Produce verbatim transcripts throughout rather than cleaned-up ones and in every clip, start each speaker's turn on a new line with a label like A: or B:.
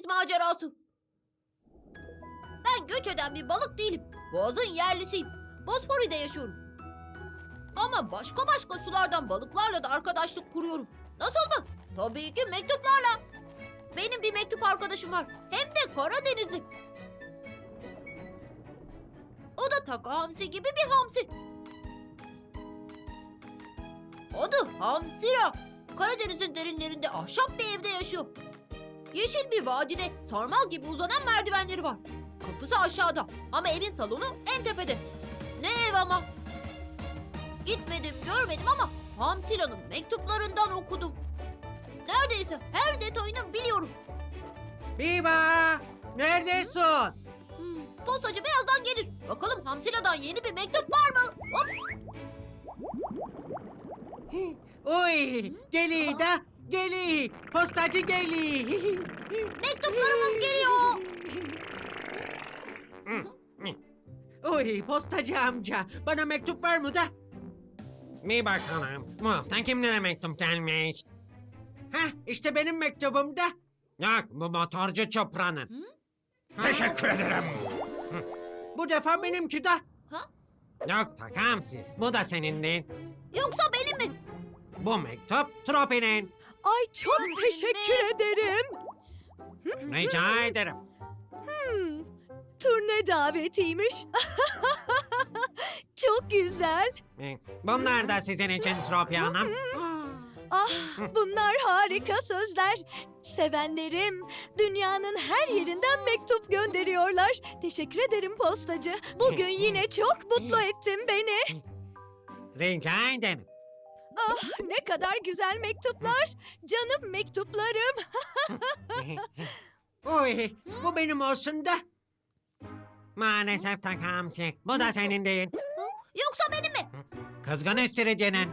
A: deniz macerası. Ben göç eden bir balık değilim. Boğazın yerlisiyim. Bosfori'de yaşıyorum. Ama başka başka sulardan balıklarla da arkadaşlık kuruyorum. Nasıl mı? Tabii ki mektuplarla. Benim bir mektup arkadaşım var. Hem de Karadenizli. O da Taka Hamsi gibi bir hamsi. Adı Hamsira. Karadeniz'in derinlerinde ahşap bir evde yaşıyor. Yeşil bir vadide sarmal gibi uzanan merdivenleri var. Kapısı aşağıda ama evin salonu en tepede. Ne ev ama. Gitmedim, görmedim ama Hamsira'nın mektuplarından okudum. Neredeyse her detayını biliyorum.
B: Biba! Neredesin?
A: Hmm, postacı birazdan gelir. Bakalım Hamsira'dan yeni bir mektup var mı? Hop.
B: Oy! Geli da! Geli! Postacı geli!
A: Mektuplarımız geliyor.
B: Oy postacı amca! Bana mektup var mı da?
C: Bir bakalım. Bu hafta kimlere mektup gelmiş?
B: Heh işte benim mektubum da.
C: Yok, bu motorcu Çopra'nın.
D: Teşekkür ederim.
B: Bu defa benimki de.
A: Ha?
C: Yok Takamsi, bu da senin değil.
A: Yoksa benim mi?
C: Bu mektup Tropi'nin.
E: Ay çok teşekkür ederim.
C: Rica ederim.
E: Hmm, turne davetiymiş. Çok güzel.
C: Ee, Bunlar da sizin için Tropi Hanım.
E: Ah, bunlar harika sözler. Sevenlerim dünyanın her yerinden mektup gönderiyorlar. Teşekkür ederim postacı. Bugün yine çok mutlu ettin beni.
C: Rica ederim.
E: Ah, ne kadar güzel mektuplar. Canım mektuplarım.
B: Oy bu benim olsun da.
C: Maalesef Takamsi, bu da senin değil.
A: Yoksa benim mi?
C: Kızgın istiridyenin.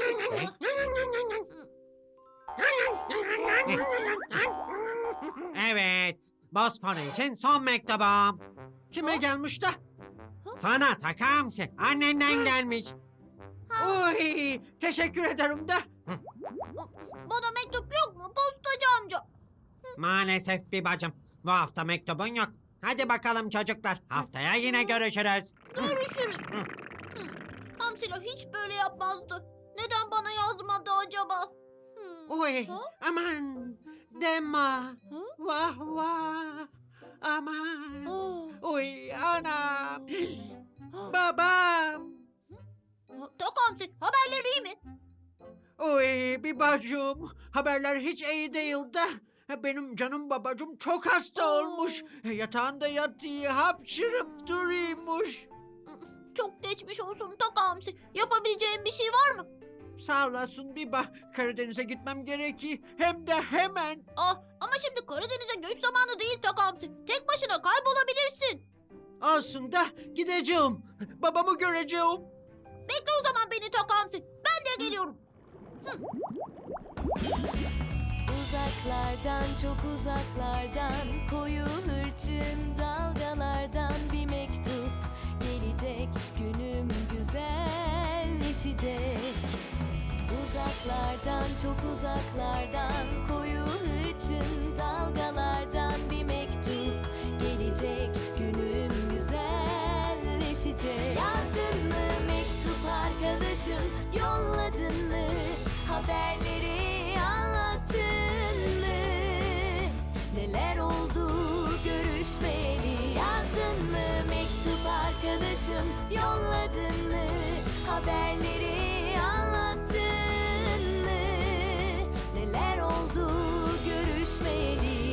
C: Evet, Bosfor için son mektubum.
B: Kime gelmiş de?
C: Sana Takamsi, annenden gelmiş.
B: Oy teşekkür ederim de.
A: Bana mektup yok mu postacı amca?
C: Maalesef bir bacım, bu hafta mektubun yok. Hadi bakalım çocuklar, haftaya yine görüşürüz.
A: Görüşürüz. Hmm, Hamsila hiç böyle yapmazdı. Neden bana yazmadı acaba? Hmm.
B: Oy
A: Ha?
B: aman deme. Vah vah. Aman.
A: Ah.
B: Oy anam. Babam.
A: Tak Hamsi, haberleri iyi mi?
B: Oy bir bacım. Haberler hiç iyi değil de. Benim canım babacım çok hasta olmuş. Yatağında yatıyor, hapşırıp duruyormuş.
A: Çok geçmiş olsun Tak Hamsi. Yapabileceğim bir şey var mı?
B: Sağ olasın Biba. Karadeniz'e gitmem gerekiyor. Hem de hemen.
A: Ah, ama şimdi Karadeniz'e göç zamanı değil Tak Hamsi. Tek başına kaybolabilirsin.
B: Olsun da gideceğim. Babamı göreceğim.
A: Bekle o zaman beni Tak Hamsi. Ben de geliyorum.
F: Uzaklardan çok uzaklardan koyu hırçın dalgalardan bir mektup gelecek, günüm güzelleşecek. Uzaklardan çok uzaklardan koyu hırçın dalgalardan bir mektup gelecek, günüm güzelleşecek. Yazdın mı mektup arkadaşım, yolladın mı haberleri, anlattın mı neler oldu görüşmeyeli? Yazdın mı mektup arkadaşım, yolladın mı haberleri, anlattın mı neler oldu görüşmeyeli?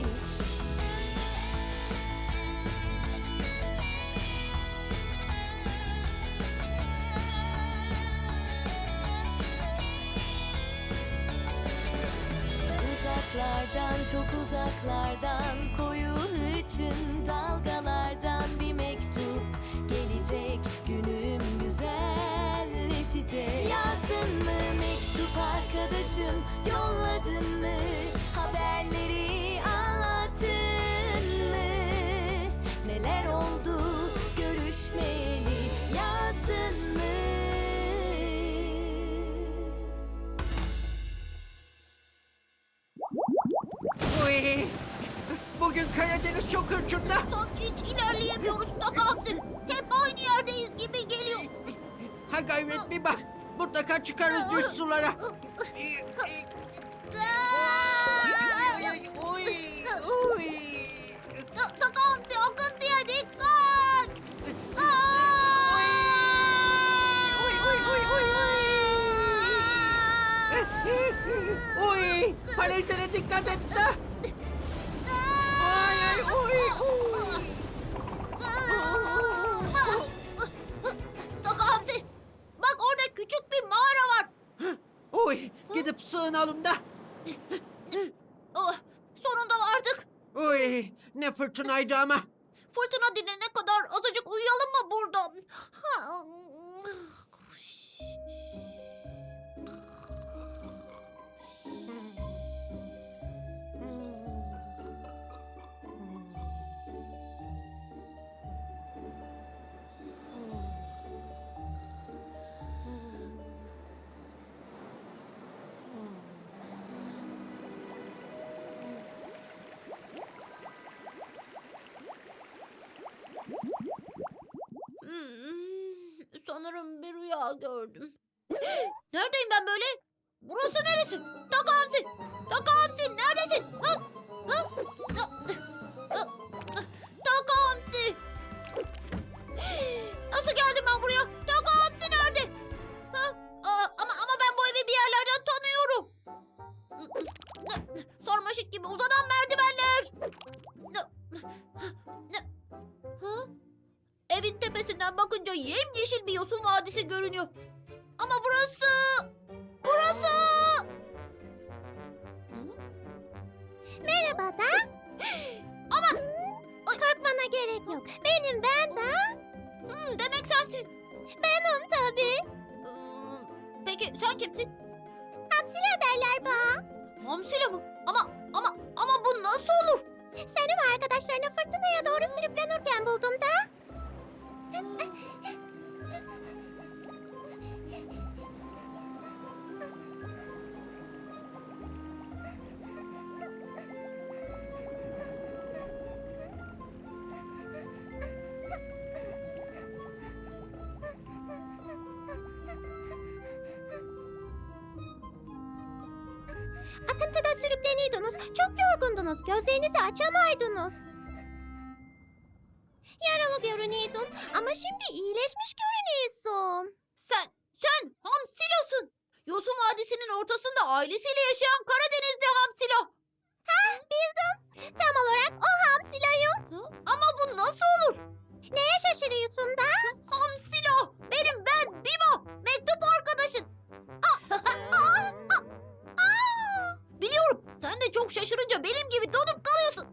F: Uzaklardan çok uzaklardan koyu hırçın dalgalardan bir mektup gelecek, günüm güzelleşecek. Yazdın mı mektup arkadaşım, yolladın mı haberleri, anlattın mı neler oldu görüşmeyeli? Yazdın mı?
B: Oy. Bugün Karadeniz çok hırçında.
A: Sanki hiç ilerleyemiyoruz Taka Hamsi. Hep aynı yerdeyiz gibi geliyor.
B: Ha gayret bir bak. Mutlaka çıkarız düz sulara. Oy, oy.
A: Ta- Taka Hamsi akıntıya dikkat.
B: Oy, oy, oy, oy, oy. Oy, falezlere dikkat et de. Ay, ay, oy, oy.
A: Taka Hamsi, bak orada küçük bir mağara var.
B: Oy, gidip sığınalım da.
A: Oh, sonunda vardık.
B: Oy, ne fırtınaydı ama.
A: Fırtına dinene kadar azıcık uyuyalım mı burada? Hmm, sanırım bir rüya gördüm. Neredeyim ben böyle? Burası neresi? Taka Hamsi! Taka Hamsi neredesin? Ha? Ha? Ta- ha? Taka Hamsi! Nasıl geldim ben buraya? Taka Hamsi nerede? Ha? Aa, ama ama ben bu evi bir yerlerden tanıyorum. Sarmaşık gibi uzanan merdivenler. Ha? Evin tepesinden bakınca yemyeşil bir yosun vadisi görünüyor. Ama burası... Burası...
G: Merhaba da.
A: Aman!
G: Korkmana gerek yok. Benim ben de.
A: Hmm, demek sensin.
G: Benim tabii.
A: Ee, peki sen kimsin?
G: Hamsile derler bana.
A: Hamsile mi? Ama ama ama bu nasıl olur?
G: Seni ve arkadaşlarını fırtınaya doğru sürüklenirken buldum da. Akıntıda sürükleniyordunuz. Çok yorgundunuz. Gözlerinizi açamaydınız. Yaralı görünüyordun ama şimdi iyileşmiş görünüyorsun.
A: Sen sen Hamsilo'sun. Yosun Vadisi'nin ortasında ailesiyle yaşayan Karadenizli Hamsilo.
G: Ha, bildim. Tam olarak o Hamsilo'yum.
A: Ha? Ama bu nasıl olur?
G: Neye şaşırıyorsun da?
A: Hamsilo! Benim ben Bibo! Mektup arkadaşın! Biliyorum sen de çok şaşırınca benim gibi donup kalıyorsun.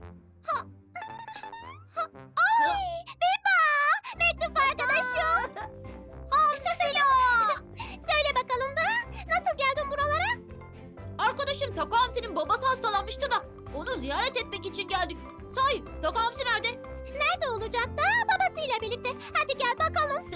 G: Ay, Biba! Mektup arkadaşım.
A: Hamsilo!
G: Söyle bakalım da nasıl geldin buralara?
A: Arkadaşım Taka Hamsi'nin babası hastalanmıştı da onu ziyaret etmek için geldik. Sahi Taka Hamsi nerede?
G: Nerede olacak da babasıyla birlikte. Hadi gel bakalım.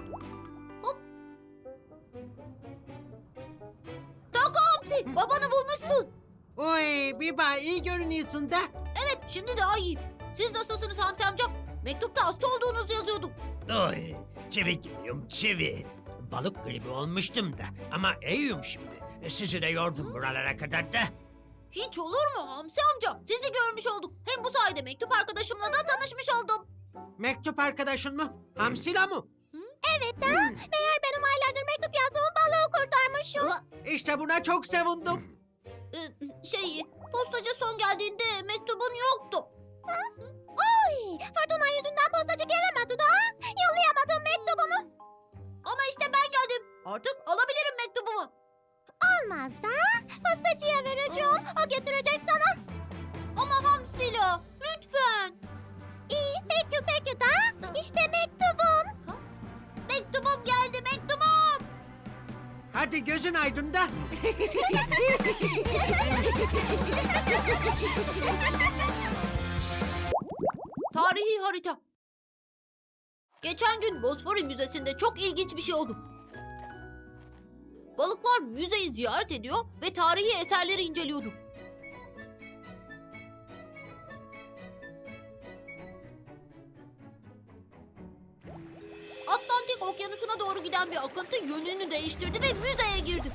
A: Taka Hamsi babanı bulmuşsun.
B: Oy, Biba iyi görünüyorsun da.
A: Evet şimdi daha iyiyim. Siz nasılsınız Hamsi amca? Mektupta hasta olduğunuzu yazıyordum.
D: Oy, çivi gibiyim çivi. Balık gribi olmuştum da ama iyiyim şimdi. E, Sizi de yordum buralara kadar da.
A: Hiç olur mu Hamsi amca? Sizi görmüş olduk. Hem bu sayede mektup arkadaşımla da tanışmış oldum.
B: Mektup arkadaşın mı? Hamsila mı?
G: Evet da meğer benim aylardır mektup yazdığım balığı kurtarmışım.
B: İşte buna çok sevindim.
A: Ee, şey, postacı son geldiğinde mektubun yoktu.
G: Oy, fırtına yüzünden postacı gelemedi da. Yollayamadım mektubunu.
A: Ama işte ben geldim. Artık alabilirim mektubumu.
G: Olmaz da postacıya vereceğim. O getirecek sana.
A: Ama Hamsila, lütfen.
G: İyi peki peki da. İşte mektubum.
A: Mektubum geldi, mektubum.
B: Hadi gözün aydın da.
A: Tarihi harita. Geçen gün Bosfori Müzesi'nde çok ilginç bir şey oldu. Balıklar müzeyi ziyaret ediyor ve tarihi eserleri inceliyordu. Okyanusu'na doğru giden bir akıntı yönünü değiştirdi ve müzeye girdi.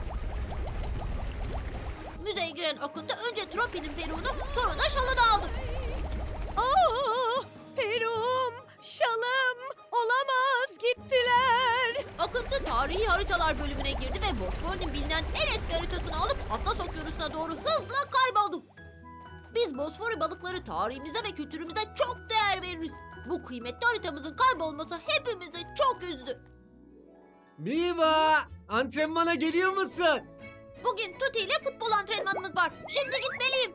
A: Müzeye giren akıntı önce Tropi'nin peruğunu sonra da şalını aldı.
E: Aa, Perum, şalım, olamaz gittiler.
A: Akıntı tarihi haritalar bölümüne girdi ve Bosfor'un bilinen en eski haritasını alıp Atlas Okyanusu'na doğru hızla kayboldu. Biz Bosfor balıkları tarihimize ve kültürümüze çok değer veririz. Bu kıymetli haritamızın kaybolması hepimizi çok üzdü.
B: Biba! Antrenmana geliyor musun?
A: Bugün Tuti ile futbol antrenmanımız var. Şimdi gitmeliyim.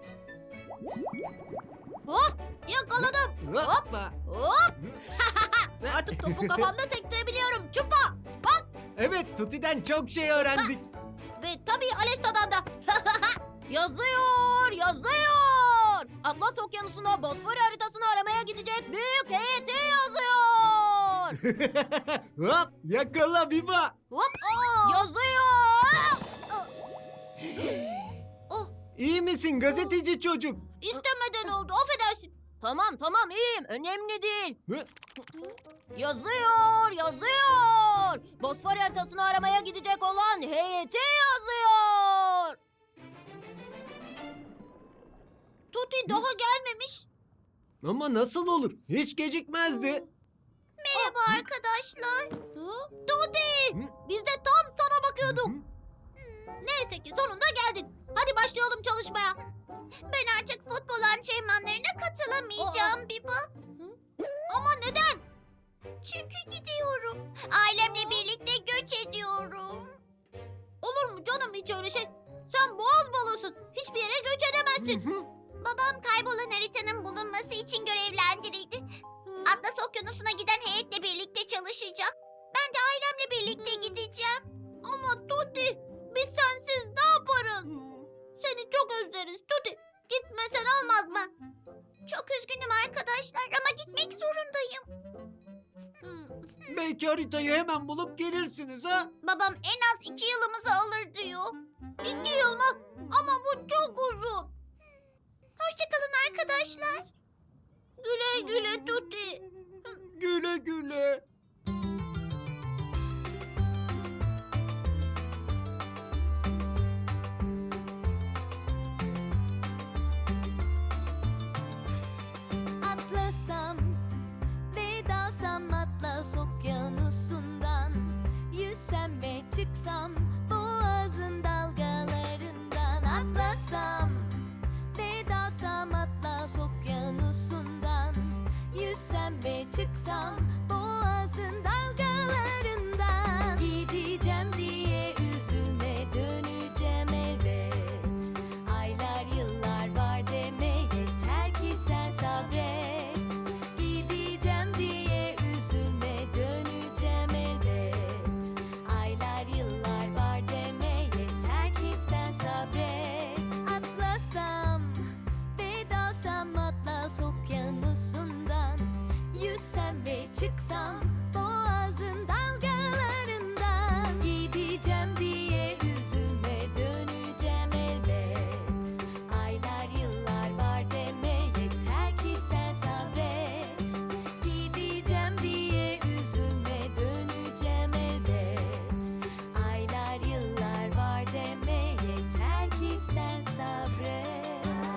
A: Hop! Yakaladım.
B: Hoppa!
A: Hop! Artık topu kafamda sektirebiliyorum. Çupa! Bak!
B: Evet, Tuti'den çok şey öğrendik.
A: Ve tabii Alesta'dan da. Yazıyor, yazıyor. Atlas Okyanusu'na Bosfor haritasını aramaya gidecek büyük heyeti yazıyor.
B: Hop! Yakala Biba!
A: Hop! Yazıyor. Oh,
B: İyi misin gazeteci çocuk?
A: istemeden oldu. Affedersin. Tamam tamam iyiyim. Önemli değil.
B: Hı?
A: Yazıyor, yazıyor. Bosfor haritasını aramaya gidecek olan heyeti yazıyor. Tuti daha gelmemiş.
B: Ama nasıl olur? Hiç gecikmezdi.
G: Merhaba arkadaşlar.
A: Hı? Tuti!
B: Hı?
A: Biz de tam sana bakıyorduk.
B: Hı?
A: Neyse ki sonunda geldin. Hadi başlayalım çalışmaya.
G: Ben artık futbol antrenmanlarına katılamayacağım Biba.
A: Ama neden?
G: Çünkü gidiyorum. Ailemle birlikte göç ediyorum.
A: Olur mu canım hiç öyle şey? Sen boğaz balığısın. Hiçbir yere göç edemezsin.
G: Babam kaybolan haritanın bulunması için görevlendirildi. Atlas Okyanusu'na giden heyetle birlikte çalışacak. Ben de ailemle birlikte gideceğim.
A: Ama Tuti, biz sensiz ne yaparız? Seni çok özleriz Tuti. Gitmesen olmaz mı?
G: Çok üzgünüm arkadaşlar ama gitmek zorundayım.
B: Belki haritayı hemen bulup gelirsiniz ha?
G: Babam en az iki yılımızı alır diyor.
A: İki yıl mı? Ama bu çok uzun.
G: Hoşçakalın arkadaşlar.
A: Güle güle Tuti.
B: Güle güle.
F: Atlasam ve dalsam Atlas Okyanusu'ndan, yüzsem ve çıksam boğazın dalgalarından. Atlasam ve dalsam Atlas Okyanusu'ndan, yüzsem ve çıksam boğazın dalgalarından. Gideceğim diye üzülme, döneceğim elbet. Aylar yıllar var deme, yeter ki sen sabret. Gideceğim diye üzülme, döneceğim elbet. Aylar yıllar var deme, yeter ki sen sabret. Atlasam ve dalsam Atlas Okyanusu'ndan, yüzsem ve çıksam boğazın dalgalarından. Gideceğim diye üzülme, döneceğim elbet. Aylar yıllar var deme, yeter ki sen sabret. Gideceğim diye üzülme, döneceğim elbet. Aylar yıllar var deme, yeter ki sen sabret.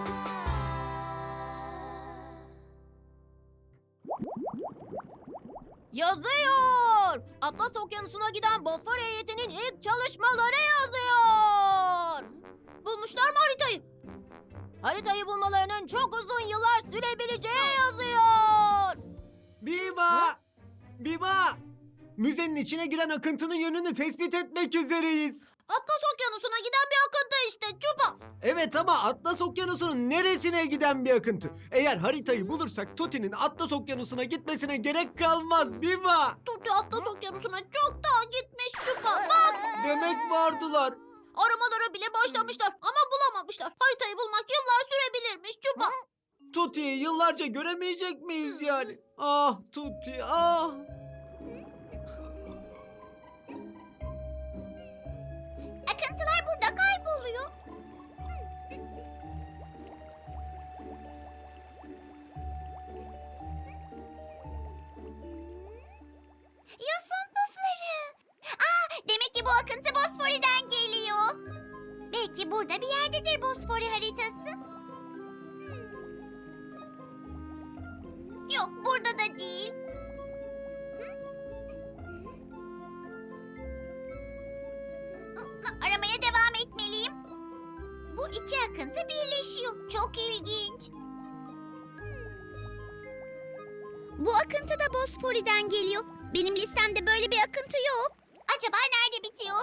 A: Yazıyor. Atlas Okyanusu'na giden Bosfor heyetinin ilk çalışmaları yazıyor. Bulmuşlar mı haritayı? Haritayı bulmalarının çok uzun yıllar sürebileceği yazıyor.
B: Biba! Biba! Müzenin içine giren akıntının yönünü tespit etmek üzereyiz.
A: Atlas Okyanusu'na giden bir akıntı işte Çupa.
B: Evet ama Atlas Okyanusu'nun neresine giden bir akıntı? Eğer haritayı bulursak Tuti'nin Atlas Okyanusu'na gitmesine gerek kalmaz Biba.
A: Tuti Atlas Okyanusu'na çoktan gitmiş Çupa. Bak.
B: Demek vardılar.
A: Aramalara bile başlamışlar ama bulamamışlar. Haritayı bulmak yıllar sürebilirmiş Çupa.
B: Tuti'yi yıllarca göremeyecek miyiz yani? Ah Tuti ah.
G: Akıntılar burada kayboluyor. Yosun Belki burada bir yerdedir Bosfori haritası. Yok, burada da değil. Aramaya devam etmeliyim. Bu iki akıntı birleşiyor. Çok ilginç. Bu akıntı da Bosfori'den geliyor. Benim listemde böyle bir akıntı yok. Acaba nerede bitiyor?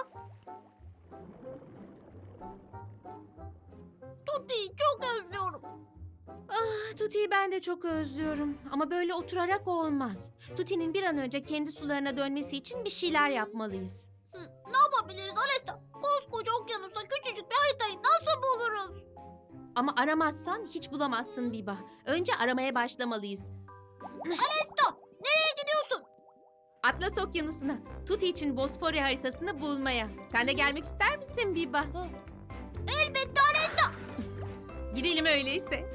A: Tuti'yi çok özlüyorum.
E: Ah, Tuti'yi ben de çok özlüyorum. Ama böyle oturarak olmaz. Tuti'nin bir an önce kendi sularına dönmesi için bir şeyler yapmalıyız.
A: Hı, ne yapabiliriz Alesta? Koskoca okyanusta küçücük bir haritayı nasıl buluruz?
E: Ama aramazsan hiç bulamazsın Biba. Önce aramaya başlamalıyız.
A: Alesta, nereye gidiyorsun?
E: Atlas Okyanusu'na, Tuti için Bosfori haritasını bulmaya. Sen de gelmek ister misin Biba?
A: Elbette Alesta.
E: Gidelim öyleyse.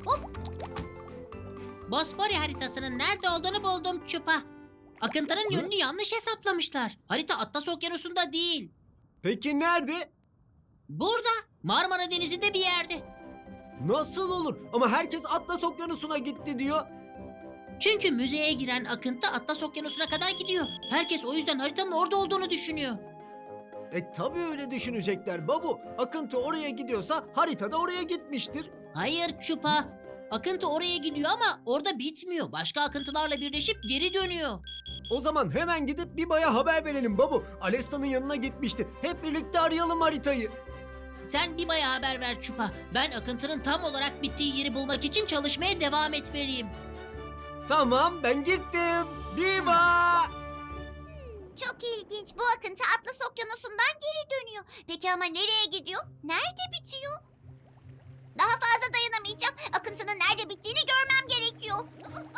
H: Bosfori haritasının nerede olduğunu buldum Çupa. Akıntının yönünü yanlış hesaplamışlar. Harita Atlas Okyanusu'nda değil.
I: Peki nerede?
H: Burada, Marmara Denizi'nde bir yerde.
I: Nasıl olur? Ama herkes Atlas Okyanusu'na gitti diyor.
H: Çünkü müzeye giren akıntı Atlas Okyanusu'na kadar gidiyor. Herkes o yüzden haritanın orada olduğunu düşünüyor.
I: E tabii öyle düşünecekler babu. Akıntı oraya gidiyorsa harita da oraya gitmiştir.
H: Hayır Çupa. Akıntı oraya gidiyor ama orada bitmiyor. Başka akıntılarla birleşip geri dönüyor.
I: O zaman hemen gidip Biba'ya haber verelim babu. Alesta'nın yanına gitmişti. Hep birlikte arayalım haritayı.
H: Sen Biba'ya haber ver Çupa. Ben akıntının tam olarak bittiği yeri bulmak için çalışmaya devam etmeliyim.
I: Tamam, ben gittim. Biba!
G: Çok ilginç. Bu akıntı Atlas Okyanusu'ndan geri dönüyor. Peki ama nereye gidiyor? Nerede bitiyor? Daha fazla dayanamayacağım. Akıntının nerede bittiğini görmem gerekiyor.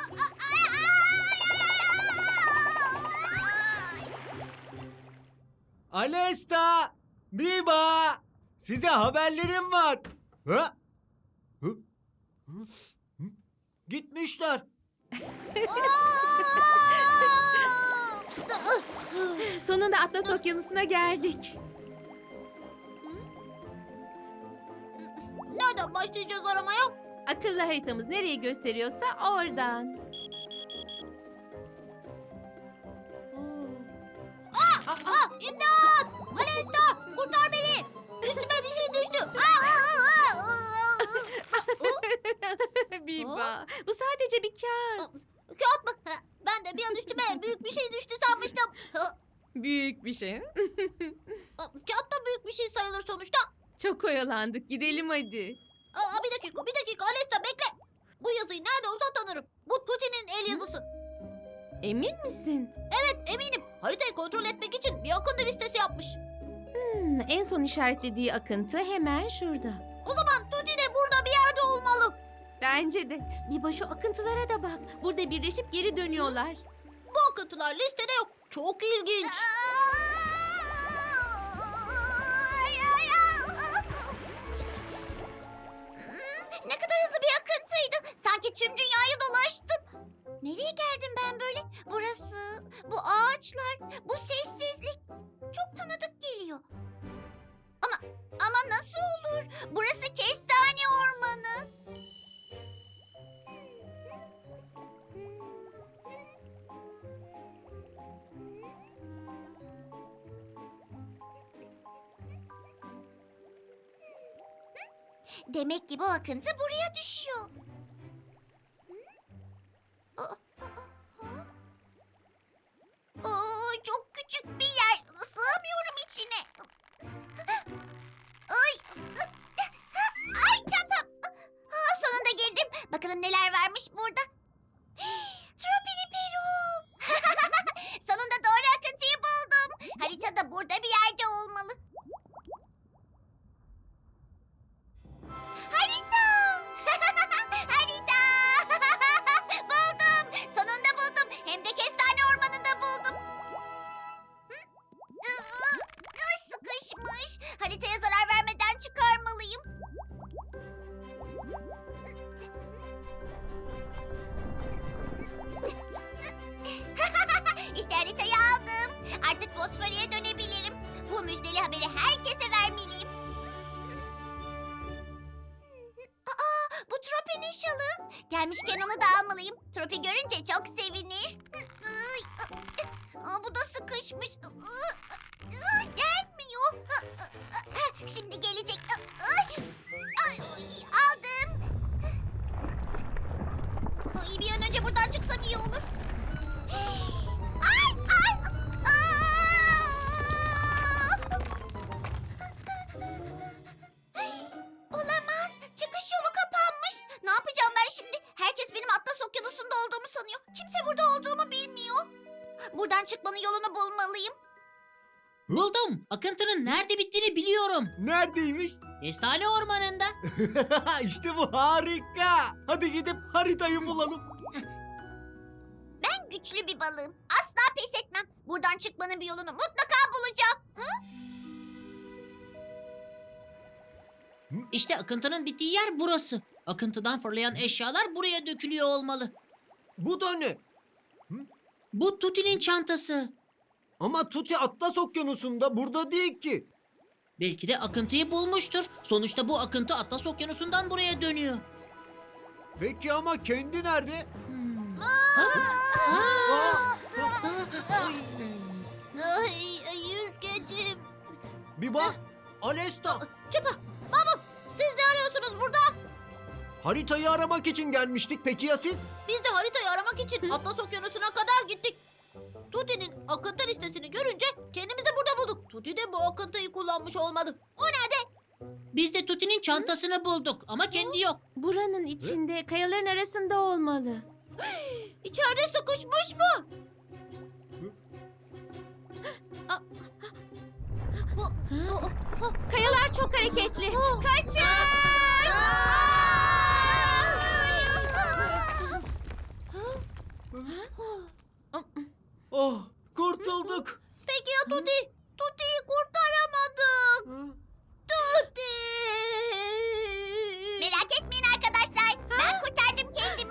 I: Alesta! Biba! Size haberlerim var. Ha? Hı? Hı? Hı? Gitmişler.
E: Sonunda Atlas Okyanusu'na geldik.
A: Nereden başlayacağız aramaya?
E: Akıllı haritamız nereye gösteriyorsa oradan.
A: Aa, aa, imdat! Alesta, kurtar beni! Üstüme bir şey düştü. Aa, aa, aa, aa.
E: Biba, bu sadece bir kağıt.
A: Kağıt mı? Ha, ben de bir an üstüme büyük bir şey düştü sanmıştım. Ha,
E: Büyük bir şey.
A: Kağıt da büyük bir şey sayılır sonuçta.
E: Çok oyalandık. Gidelim hadi.
A: Aa, bir dakika, bir dakika Alesta bekle. Bu yazıyı nerede olsa tanırım. Bu Tuti'nin el yazısı.
E: Emin misin?
A: Evet, eminim. Haritayı kontrol etmek için bir akıntı listesi yapmış.
E: Hmm, en son işaretlediği akıntı hemen şurada.
A: O zaman Tuti de burada bir yerde olmalı.
E: Bence de. Biba şu akıntılara da bak. Burada birleşip geri dönüyorlar.
A: Bu akıntılar listede yok. Çok ilginç.
G: Ne kadar hızlı bir akıntıydı. Sanki tüm dünyayı dolaştım. Nereye geldim ben böyle? Burası, bu ağaçlar, bu sessizlik. Çok tanıdık geliyor. Ama ama nasıl olur? Burası kestane ormanı. Demek ki bu akıntı buraya düşüyor. Oo, çok küçük bir yer. Sığamıyorum içine. Ay, ay çantam. Aa, sonunda girdim. Bakalım neler varmış burada. Tropini Peru. Sonunda doğru akıntıyı buldum. Harita da burada bir yerde olmalı. Harita! Harita! Buldum. Sonunda buldum. Hem de kestane ormanında buldum. Hı? Iı, Sıkışmış. Haritaya zarar vermeden çıkarmalıyım. İşte haritayı aldım. Artık Bosfori'ye dönebilirim. Bu müjdeli haberi herkese vermeliyim. şalı. Gelmişken onu da almalıyım. Tropi görünce çok sevinir. Aa, bu da sıkışmış. Gelmiyor. Şimdi gelecek. Aldım. Ay, bir an önce buradan çıksam iyi olur. Ay, ay. Olamaz. Çıkış yolu kapanmış. Ne yapacağım ben şimdi? Herkes benim Atlas Okyanusu'nda olduğumu sanıyor. Kimse burada olduğumu bilmiyor. Buradan çıkmanın yolunu bulmalıyım.
H: Buldum. Akıntının nerede bittiğini biliyorum.
I: Neredeymiş?
H: Kestane ormanında.
I: İşte bu harika. Hadi gidip haritayı bulalım.
G: Ben güçlü bir balığım. Asla pes etmem. Buradan çıkmanın bir yolunu mutlaka bulacağım.
H: İşte akıntının bittiği yer burası. Akıntıdan fırlayan eşyalar buraya dökülüyor olmalı.
I: Bu da ne?
H: Bu Tuti'nin çantası.
I: Ama Tuti Atlas Okyanusu'nda, burada değil ki.
H: Belki de akıntıyı bulmuştur. Sonuçta bu akıntı Atlas Okyanusu'ndan buraya dönüyor.
I: Peki ama kendi nerede?
H: Hmm.
G: Ay, ay, yüzgecim.
B: Biba, Alesta,
A: Çupa, Mahmut, siz ne arıyorsunuz burada?
I: Haritayı aramak için gelmiştik. Peki ya siz?
A: Biz de haritayı aramak için Atlas Okyanusu'na kadar gittik. Tuti'nin akıntı listesini görünce kendimizi burada bulduk. Tuti de bu akıntıyı kullanmış olmalı. O nerede?
H: Biz de Tuti'nin çantasını bulduk ama kendi yok.
E: Buranın içinde, kayaların arasında olmalı.
A: İçeride sıkışmış mı?
E: Kayalar çok hareketli. Kaçın!
I: Oh, kurtulduk.
A: Peki ya Tuti? Tuti'yi kurtaramadık. Tuti!
G: Merak etmeyin arkadaşlar. Ben kurtardım kendimi.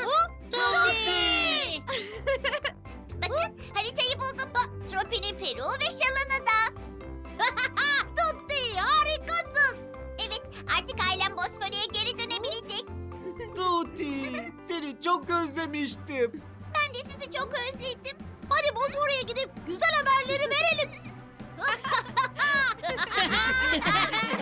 A: Tuti!
G: Bakın haritayı buldum. Tropi'nin peruğu ve şalını da.
A: Tuti harikasın.
G: Evet, artık ailem Bosfor'a geri dönebilecek.
I: Tuti, seni çok özlemiştim.
G: Ben de sizi çok özledim.
A: Hadi Bosfor'a gidip güzel haberleri verelim.